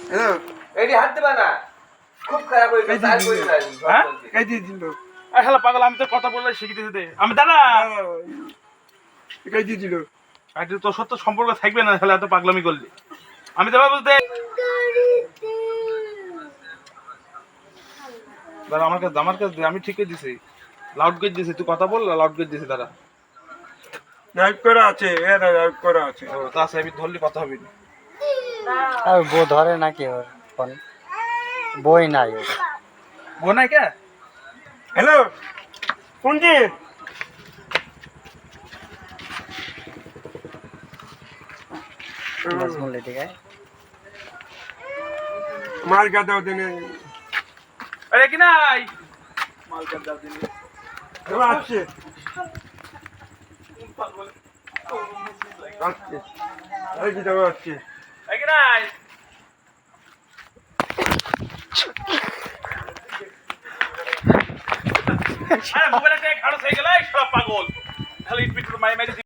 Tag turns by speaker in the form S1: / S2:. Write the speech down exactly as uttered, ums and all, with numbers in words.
S1: Hello
S2: এডি হাত দিবা না খুব খারাপ হইছে
S1: এই যে
S2: তাই কই না
S3: হ্যাঁ?
S1: কে দিয়ে দিল
S3: এই শালা পাগল আমি তো কথা বললে শিখিয়ে দিতে দে আমি দাঁড়া
S1: কে দিয়ে দিল
S3: আর তোর সত্য সম্পর্ক থাকবে না শালা এত পাগলামি করলি আমি দেবা বলতে দাঁড়া আমার কাছে আমার কাছে দে, আমি ঠিকই দিছি লাউড গেট দিছি তুই কথা বল লাউড গেট দিছি দাঁড়া
S1: লাইভ করা আছে এর লাইভ করা আছে
S3: ও তা আছে আমি ধরলি কথা হবে না
S4: আর বউ ধরে নাকি ওর ফোন বই নাই ওর।
S3: বো নাই কে
S1: হ্যালো কোন জি
S4: নাজমুল এদিকে
S1: মার গাদাও দেনে
S3: আরে কি নাই মাল কাট দাও দিন
S1: এবার আসছে আসছে এই কি দাও আসছে
S3: এই কি নাই আরে মোবাইলটা খাড়ো হয়ে গেল এই শালা পাগল খালি ইট পিট মাই মাই